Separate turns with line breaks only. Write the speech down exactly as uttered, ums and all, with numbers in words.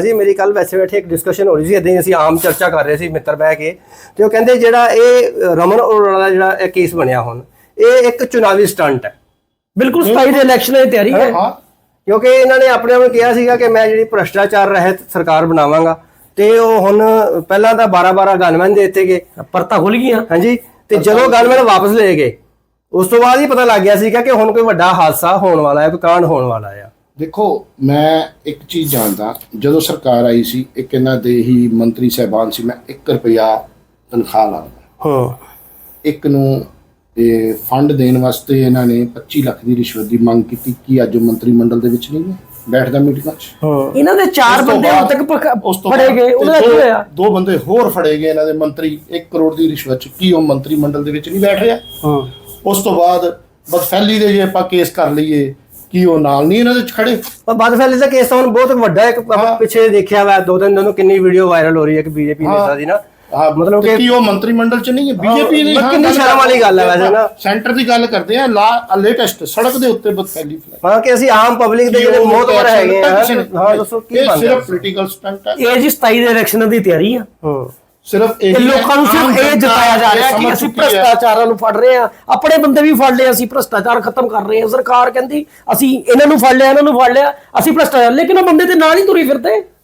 ਸੀ ਮੇਰੀ ਕੱਲ ਵੈਸੇ ਬੈਠੇ ਇੱਕ ਡਿਸਕਸ਼ਨ ਹੋ ਰਹੀ ਸੀ ਇਦਾਂ ਹੀ ਅਸੀਂ ਆਮ ਚਰਚਾ ਕਰ ਰਹੇ ਸੀ ਮਿੱਤਰ ਬਹਿ ਕੇ ਤੇ ਉਹ ਕਹਿੰਦੇ ਜਿਹੜਾ ਇਹ ਰਮਨ ਅਰੋੜਾ ਦਾ ਜਿਹੜਾ ਇਹ ਕੇਸ ਬਣਿਆ ਹੁਣ ਇਹ ਇੱਕ ਚੁਣਾਵੀ ਸਟੰਟ ਹੈ ਬਿਲਕੁਲ ਸਤਾਈ ਦੇ ਇਲੈਕਸ਼ਨਾਂ ਦੀ ਤਿਆਰੀ ਹੈ ਕਿਉਂਕਿ ਇਹਨਾਂ ਨੇ ਆਪਣੇ ਆਪ ਨੂੰ ਕਿਹਾ ਸੀਗਾ ਕਿ ਮੈਂ ਜਿਹੜੀ ਭ੍ਰਿਸ਼ਟਾਚਾਰ ਰਹਿਤ ਸਰਕਾਰ ਬਣਾਵਾਂਗਾ ਤੇ ਉਹ ਹੁਣ ਪਹਿਲਾਂ ਤਾਂ ਬਾਰਾਂ ਬਾਰਾਂ ਗਨਮੈਨ ਦੇ ਦਿੱਤੇ ਗਏ ਪਰਤਾਂ ਖੁੱਲ ਗਈਆਂ ਹਾਂਜੀ ਤੇ ਜਦੋਂ ਗਨਮੈਨ ਵਾਪਸ ਲੈ ਗਏ ਉਸ ਤੋਂ ਬਾਅਦ ਹੀ ਪਤਾ ਲੱਗ ਗਿਆ ਸੀਗਾ ਕਿ ਹੁਣ ਕੋਈ ਵੱਡਾ ਹਾਦਸਾ ਹੋਣ ਵਾਲਾ ਹੈ ਕੋਈ ਕਾਂਡ ਹੋਣ ਵਾਲਾ ਆ
ਦੇਖੋ ਮੈਂ ਇੱਕ ਚੀਜ਼ ਜਾਣਦਾ ਜਦੋਂ ਸਰਕਾਰ ਆਈ ਸੀ ਇੱਕ ਇਹਨਾਂ ਦੇ ਹੀ ਮੰਤਰੀ ਸਾਹਿਬਾਨ ਸੀ ਮੈਂ ਇੱਕ ਰੁਪਇਆ ਤਨਖਾਹ ਲਾਉਂਦਾ ਹਾਂ ਇੱਕ ਨੂੰ ਇਹ ਫੰਡ ਦੇਣ ਵਾਸਤੇ ਇਹਨਾਂ ਨੇ ਪੱਚੀ ਲੱਖ ਦੀ ਰਿਸ਼ਵਤ ਦੀ ਮੰਗ ਕੀਤੀ ਕਿ ਅੱਜ ਮੰਤਰੀ ਮੰਡਲ ਦੇ ਵਿੱਚ ਨਹੀਂ ਹੈ ਬੈਠਦਾ ਮੀਟਿੰਗਾਂ 'ਚ
ਇਹਨਾਂ ਦੇ ਚਾਰ ਬੰਦੇ ਹੁਣ ਤੱਕ ਫੜੇ ਗਏ ਉਹਨਾਂ ਦਾ ਕੀ ਹੋਇਆ
ਦੋ ਬੰਦੇ ਹੋਰ ਫੜੇ ਗਏ ਇਹਨਾਂ ਦੇ ਮੰਤਰੀ ਇੱਕ ਕਰੋੜ ਦੀ ਰਿਸ਼ਵਤ 'ਚ ਕੀ ਉਹ ਮੰਤਰੀ ਮੰਡਲ ਦੇ ਵਿੱਚ ਨਹੀਂ ਬੈਠ ਰਿਹਾ ਹਾਂ ਉਸ ਤੋਂ ਬਾਅਦ ਬਦਫੈਲੀ ਦੇ ਜੇ ਆਪਾਂ ਕੇਸ ਕਰ ਲਈਏ ਕੀ ਉਹ ਨਾਲ ਨਹੀਂ ਇਹਨਾਂ ਦੇ ਖੜੇ
ਪਰ ਬਦਫੈਲੀ ਦਾ ਕੇਸ ਤਾਂ ਹੁਣ ਬਹੁਤ ਵੱਡਾ ਇੱਕ ਪਿੱਛੇ ਦੇਖਿਆ ਵਾ ਦੋ ਤਿੰਨ ਦਿਨ ਕਿੰਨੀ ਵੀਡੀਓ ਵਾਇਰਲ ਹੋ ਰਹੀ ਹੈ ਕਿ ਬੀਜੇਪੀ ਨੇਤਾ ਦੀ ਨਾ
ਹਾਂ ਮਤਲਬ ਕਿ ਕੀ ਉਹ ਮੰਤਰੀ ਮੰਡਲ ਚ ਨਹੀਂ ਹੈ ਬੀਜੇਪੀ ਦੀ
ਕਿੰਨੀ ਸ਼ਰਮ ਵਾਲੀ ਗੱਲ ਹੈ ਵੈਸੇ ਨਾ
ਸੈਂਟਰ ਦੀ ਗੱਲ ਕਰਦੇ ਆ ਲੇਟੈਸਟ ਸੜਕ ਦੇ ਉੱਤੇ ਬਦਫੈਲੀ
ਹਾਂ ਕਿ ਅਸੀਂ ਆਮ ਪਬਲਿਕ ਦੇ ਜਿਹੜੇ ਮੋਹਤਬਰ ਹੈਗੇ ਆ ਹਾਂ ਦੱਸੋ ਕੀ
ਬਣਦਾ ਸਿਰਫ ਪੋਲੀਟੀਕਲ ਸਟੰਟ ਹੈ
ਇਹ ਜੀ ਸਤਾਈ ਦੇ ਇਲੈਕਸ਼ਨਾਂ ਦੀ ਤਿਆਰੀ ਆ ਹਾਂ
ਸਿਰਫ
ਇਹ ਲੋਕਾਂ ਨੂੰ ਸਿਰਫ ਇਹ ਜਤਾਇਆ ਜਾ ਰਿਹਾ ਕਿ ਅਸੀਂ ਭ੍ਰਿਸ਼ਟਾਚਾਰਾਂ ਨੂੰ ਫੜ ਰਹੇ ਆ ਆਪਣੇ ਬੰਦੇ ਵੀ ਫੜ ਲਏ ਅਸੀਂ ਭ੍ਰਿਸ਼ਟਾਚਾਰ ਖਤਮ ਕਰ ਰਹੇ ਆ ਸਰਕਾਰ ਕਹਿੰਦੀ ਅਸੀਂ ਇਹਨਾਂ ਨੂੰ ਫੜ ਲਿਆ ਇਹਨਾਂ ਨੂੰ ਫੜ ਲਿਆ ਅਸੀਂ ਭ੍ਰਿਸ਼ਟਾਚਾਰ ਲੇਕਿਨ ਉਹ ਬੰਦੇ ਤੇ ਨਾਲ ਹੀ ਤੁਰੀ ਫਿਰਦੇ